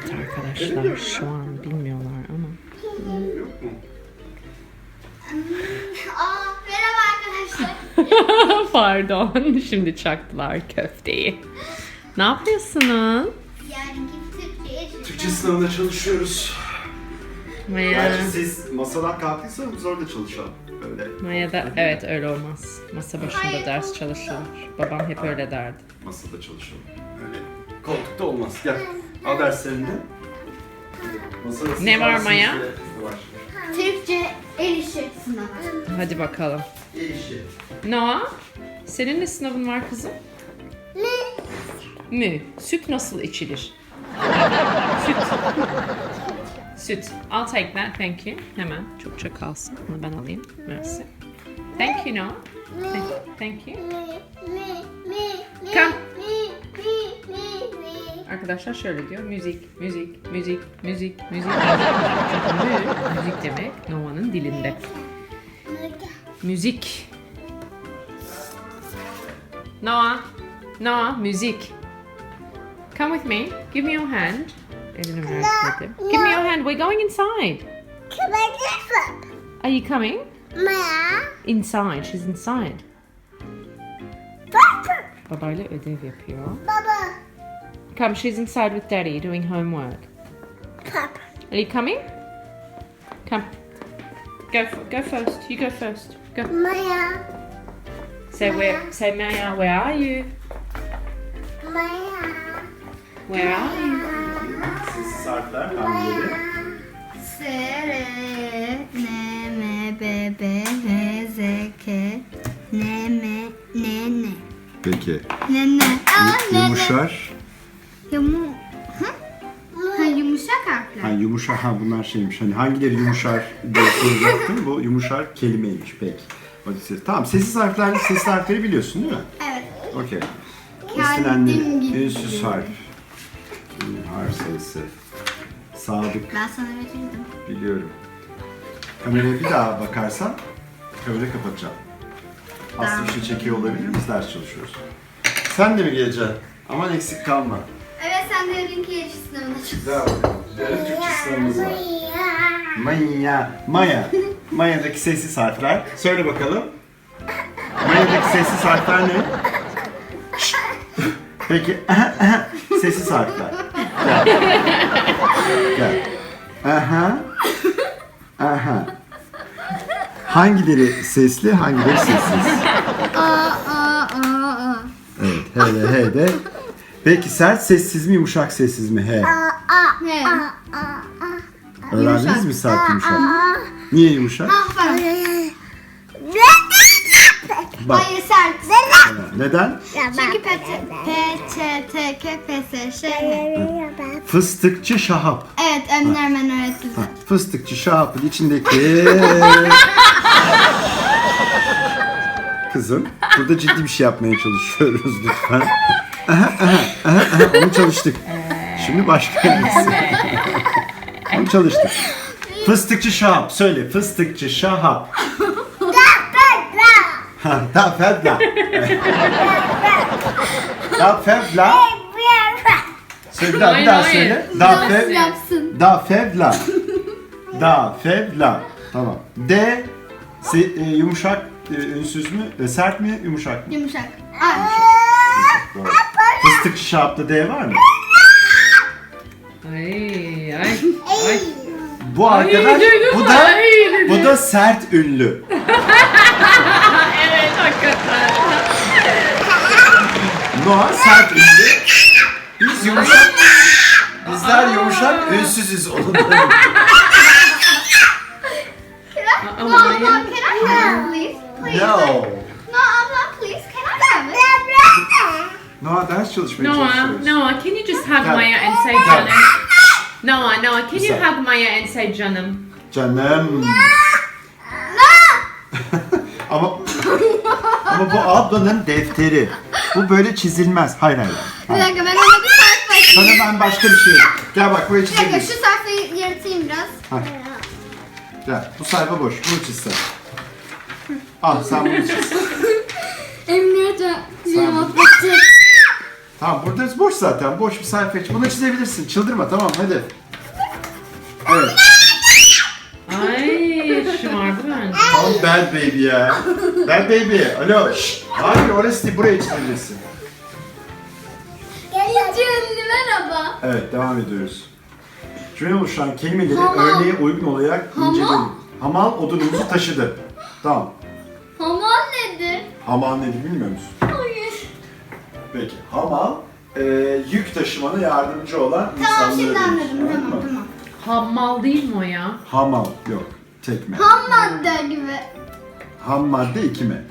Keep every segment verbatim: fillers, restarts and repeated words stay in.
Evet arkadaşlar şu an bilmiyorlar ama. Yok mu? Aa, merhaba arkadaşlar. Pardon, şimdi çaktılar köfteyi. Ne yapıyorsunuz? Yani Türkçe Türkçe sınavında çalışıyoruz. Maya, Gerçi siz masadan kalktıysanız biz orada çalışalım. Öyle. Maya da evet öyle olmaz. Masa başında ders çalışılır. Babam hep öyle derdi. Masada çalışalım. Öyle. Koltukta olmaz. Gel. Al derslerini. Masada Ne var siz Maya? varsınız ve var. Türkçe el işi sınavı. Hadi bakalım. El işi. Noah, senin ne sınavın var kızım? Ne? Mü. Süt nasıl içilir? Süt. Süt. I'll take that, thank you. Hemen çokça kalsın. Bunu ben alayım. Merci. Thank you, Noah. Thank, thank you. Come. Arkadaşlar şöyle diyor. Müzik, müzik, müzik, müzik, müzik. Çünkü mü, müzik demek Noah'nın dilinde. Müzik. Noah. Noah, müzik. Come with me. Give me your hand. Elini ver dedim. Give me your hand. We're going inside. Are you coming? Inside. She's inside. Babayla ödev yapıyor. Baba. Come, she's inside with Daddy doing homework. Papa. Are you coming? Come. Go. f- Go first. You go first. Go. Maya. Say where. Say Maya. Where are you? Maya. Where are you? Sessiz harfler hangileri? S, R, N, M, B, B, H, Z, K, N, M, N, N. Peki. N, N. Aa, N, N. Yumuşar. Yumu... Hı? Ha, yumuşak harfler. Ha, yumuşar. Ha bunlar şeymiş. Hani hangileri yumuşar diye soracaktım. Bu yumuşar kelimeymiş. Peki. Hadi ses. Tamam. Sessiz harfler, sessiz harfleri biliyorsun değil mi? Evet. Okey. Kendim İstenenleri. gibi. Ünsüz harf. Hmm, harf sayısı. Sadık. Ben sana verirdim. Biliyorum. Kameraya bir daha bakarsan kamerayı kapatacağım. Aslı bir şey çekiyor olabilir miyiz? Ders çalışıyoruz. Sen de mi geleceksin? Aman eksik kalma. Evet, sen de yarınki yarış sınavına çık. Güzel bakalım. Yarın Türkçe sınavımız var. Maya. Maya. Maya'daki sessiz harfler. Söyle bakalım. Maya'daki sessiz harfler ne? Şşt. Peki. Sessiz harfler. Gel. Gel. Aha. Aha. Hangileri sesli, hangileri sessiz? Aa, aa, aa, aa. Evet, he de he de. Peki sert sessiz mi, yumuşak sessiz mi? He. Ne? Öğrendiniz Yumuşak. mi sert yumuşak? Niye yumuşak? Ah, falan. Bak. Hayır, sert. Neden? Çünkü P, P, Ç, T, K, P, S, Ş, N. Fıstıkçı Şahap. Evet, Emine hemen öğretti Ha, zaten. fıstıkçı Şahap'ın içindeki... Kızım, burada ciddi bir şey yapmaya çalışıyoruz lütfen. Aha, aha, aha, aha, onu çalıştık. Şimdi başka birisi. Onu çalıştık. Fıstıkçı Şahap, söyle. Fıstıkçı Şahap. Ha, da fevla. Da fevla. Söyle bir daha, bir daha Hayır, söyle. Da fev, Yapsın. da fevla. Da fevla. Tamam. D se- e, yumuşak e, ünsüz mü? E, sert mi, yumuşak mı? Yumuşak. Ay. Doğru. Fıstıkçı Şahap'ta D var mı? Ay ay ay. Bu arkadaş, duydun bu mu? da Ay, dedi. bu da sert ünlü. Evet hakikaten. Noah sert ünlü. Biz yumuşak. Bizler yumuşak, ünsüzüz onun. No, abla, can I have it, please? Please. No. No, abla, please, can I have it? Noah ders çalışmaya Noah, çalışıyoruz. Noah, can you just hug Gel. Maya and say Gel. canım? Noah, Noah, can you Güzel. hug Maya and say canım? Canım. ama ama bu ablanın defteri. Bu böyle çizilmez. Hayır hayır. Bir hayır. dakika, ben ona bir sayfa Sana açayım. ben başka bir şey. Gel bak buraya Bir dakika, çizebilirsin. şu sayfayı yaratayım biraz. Ha. Gel bu sayfa boş. Bunu çiz sen. Al sen bunu çiz. Emre Hoca Sen- cevap verecek. Tamam burada boş zaten. Boş bir sayfa iç. Bunu çizebilirsin. Çıldırma tamam hadi. Evet. Ay şımardı bence. Tam bad baby ya. Bad baby. Alo. Şşt. Hayır orası değil. Buraya çizebilirsin. İnce ünlü merhaba. Evet devam ediyoruz. Cümle oluşturan kelimeleri Hamal. örneğe uygun olarak Hamal. inceleyin. Hamal odunumuzu taşıdı. Tamam. Hamal nedir? Hamal nedir bilmiyor musun? Hayır. Peki. Hamal e, yük taşımana yardımcı olan Tamam insanlara şimdi denir. anladım. Anladın Tamam mı? tamam. Hammal değil mi o ya? Hamal yok. Tekme. Ham madde gibi. Ham madde iki mi?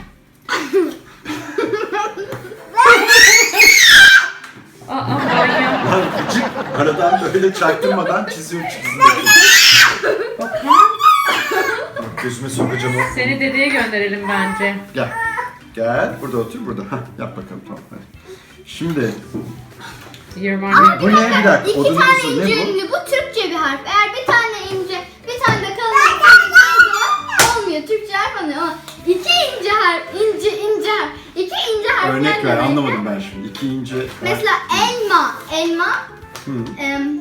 Aa manyak. Lan gıcık aradan böyle çaktırmadan çiziyor çiziyor. Bakar. Bak gözüme sokacağım o. Seni dedeye gönderelim bence. Gel. Gel. Burada otur burada. Hah, yap bakalım tamam hadi. Şimdi You're my bu ne bir dakika? İki Odunumuzu tane ne ince bu? ünlü. Bu Türkçe bir harf. Eğer bir tane ince, bir tane de kalın zaman olmuyor. Türkçe harf oluyor ama iki ince harf, ince ince harf. İki ince harfler Örnek ver demek. anlamadım ben şimdi. İki ince. Mesela elma, elma. Hı. Em,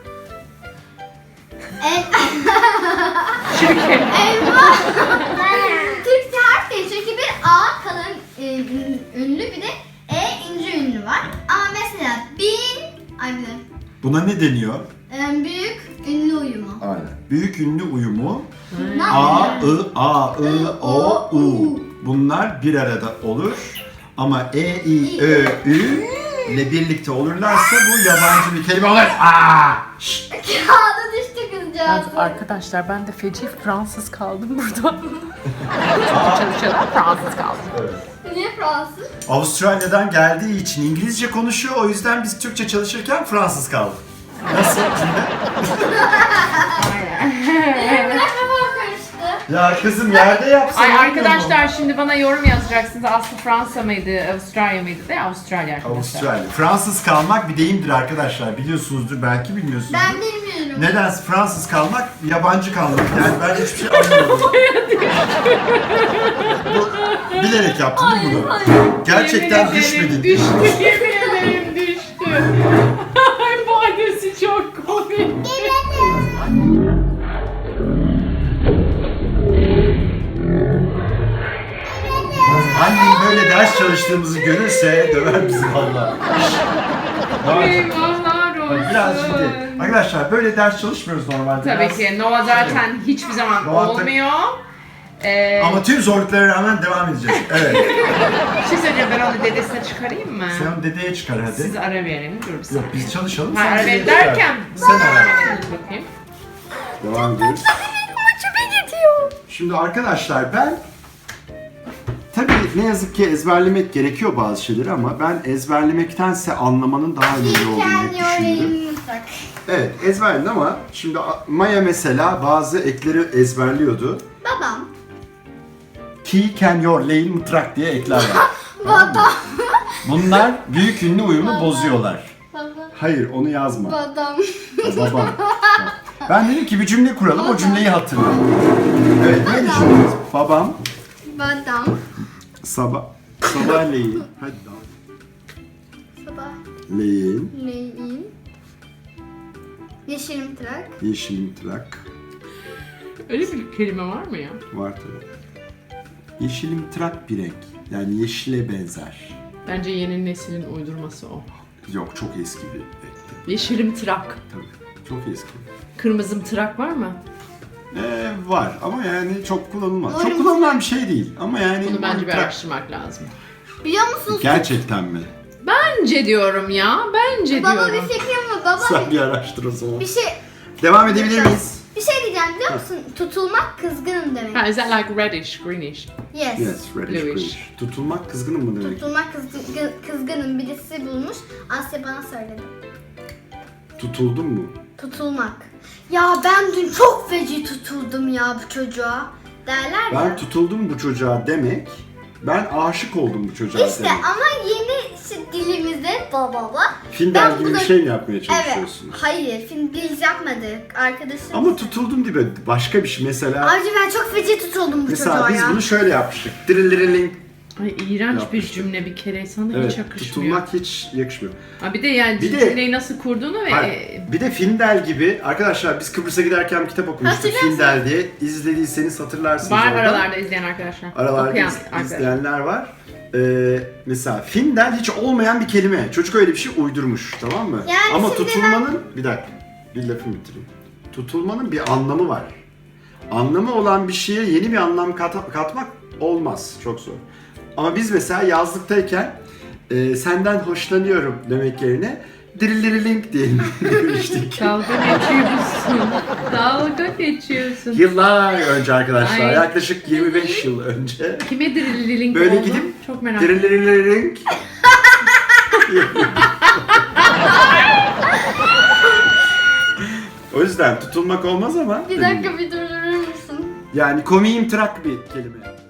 el, elma. Türkçe harf değil çünkü bir A kalın e, ünlü bir de E ince ünlü var. Ama mesela bin, ay bir de, Buna ne deniyor? em, büyük ünlü uyumu. Aynen. Büyük ünlü uyumu Ne A, yapıyor? I, A, I, O, U. Bunlar bir arada olur. Ama E, I, Ö, Ü ile birlikte olurlarsa bu yabancı bir kelime olur. Aa! Şşt! Kağıda düştü kızcağız. Arkadaşlar ben de feci Fransız kaldım burada. Çalışıyorlar Fransız kaldım. Evet. Niye Fransız? Avustralya'dan geldiği için İngilizce konuşuyor. O yüzden biz Türkçe çalışırken Fransız kaldık. Nasıl cümle? Benim kafam karıştı. Ya kızım yerde yapsana. Ay arkadaşlar şimdi bana yorum yazacaksınız. Aslı Fransa mıydı, Avustralya mıydı de Avustralya arkadaşlar. Avustralya. Fransız kalmak bir deyimdir arkadaşlar. Biliyorsunuzdur belki bilmiyorsunuzdur. Ben bilmiyorum. Neden Fransız kalmak, yabancı kalmak? Yani ben hiçbir şey anlamadım. Bu, bilerek yaptın değil mi bunu? Gerçekten Yemin ederim düşmedin. Düştü, yemin ederim düştü. Ay bu annesi çok komik. Annem böyle ders çalıştığımızı görürse döver bizi valla. Eyvahlar olsun. Biraz ciddi. Arkadaşlar böyle ders çalışmıyoruz normalde. Tabii Biraz- ki Nova zaten hiçbir zaman Nova tabii- olmuyor. Ee, Ama tüm zorluklara rağmen devam edeceğiz. Evet. bir şey söyleyeceğim, ben onu dedesine çıkarayım mı? Sen onu dedeye çıkar hadi. Siz ara verin, dur bir Yok saniye. biz çalışalım. Ha, sen ara dedeye verin çıkar. derken, Sen ara. Dur bakayım. Devam ediyoruz. Maçıma gidiyor. Şimdi arkadaşlar ben tabii ne yazık ki ezberlemek gerekiyor bazı şeyleri ama ben ezberlemektense anlamanın daha önemli olduğunu hep düşünürüm. Mutlak. Evet ezberledim ama şimdi Maya mesela bazı ekleri ezberliyordu. Babam. Key, can, your, lane, mıtrak diye ekler var. Babam. Bunlar büyük ünlü uyumu bozuyorlar. Babam. Hayır onu yazma. Babam. Babam. Ben dedim ki bir cümle kuralım o cümleyi hatırla. Evet ne düşünüyorsunuz? Babam Babam. sabah sabahleyin. Hadi daha. Sabah. Leyin, Neyin? Yeşilim trak. yeşil mıtrak. Öyle bir kelime var mı ya? Var tabii. Yeşil mıtrak bir renk. Yani yeşile benzer. Bence yeni neslin uydurması o. Yok çok eski bir renkti. Yeşilim tırak. Tabii. Çok eski. Kırmızım tırak var mı? Ee, var ama yani çok kullanılmaz. Var Çok mı? kullanılan bir şey değil. Ama yani Bunu bence bir mıtrak- araştırmak lazım. Biliyor musunuz? Gerçekten mi? Bence diyorum ya, bence Baba diyorum. bir fikrim var. Baba Sen bir araştır o zaman. bir şey Devam edebilir miyiz? bir şey diyeceğim biliyor musun? Tutulmak kızgınım demek. Ha, is that like reddish, greenish? Yes. Yes, reddish Bluish. greenish. Tutulmak kızgınım mı demek? Tutulmak kızgın, kızgınım birisi bulmuş. Asya bana söyledi. Tutuldun mu? Tutulmak. Ya ben dün çok feci tutuldum ya bu çocuğa. Derler Ben ya. tutuldum bu çocuğa demek, ben aşık oldum bu çocuğa İşte demek. ama yeni işte dilimizde baba baba. Findel Ben gibi bir burada- şey mi yapmaya Evet. çalışıyorsunuz? Hayır. Film biz yapmadık. Arkadaşım. Ama tutuldum diye başka bir şey mesela. Ayrıca ben çok feci tutuldum bu Mesela çocuğa biz ya. bunu şöyle yapmıştık. Dirilerling Ay iğrenç bir Yapmıştık. cümle bir kere sana hiç Evet, yakışmıyor. tutulmak hiç yakışmıyor. Ha, bir de yani Bir de- cümleyi nasıl kurduğunu ve Hayır, bir de Findel gibi, arkadaşlar biz Kıbrıs'a giderken bir kitap okumuştuk Hatırlarsın. Findel diye. İzlediyseniz hatırlarsınız var oradan. aralarda izleyen arkadaşlar. Aralarda Okuyan iz- arkadaşlar. izleyenler var. Ee, mesela Findel hiç olmayan bir kelime. Çocuk öyle bir şey uydurmuş, tamam mı? Yani Ama şimdi tutulmanın, bir dakika, bir lafımı bitireyim. Tutulmanın bir anlamı var. Anlamı olan bir şeye yeni bir anlam kat- katmak olmaz, çok zor. Ama biz mesela yazlıktayken e, senden hoşlanıyorum demek yerine dirilirilink diye demiştik. Dalga geçiyorsun. Dalga geçiyorsun. Yıllar önce arkadaşlar, Ay. yaklaşık yirmi beş yıl önce. Kime drilling Böyle oldu? gidip Çok merak ettim. dirilirilink. O yüzden tutulmak olmaz ama Bir dakika bir durdurur musun? yani komiğim trak bir kelime.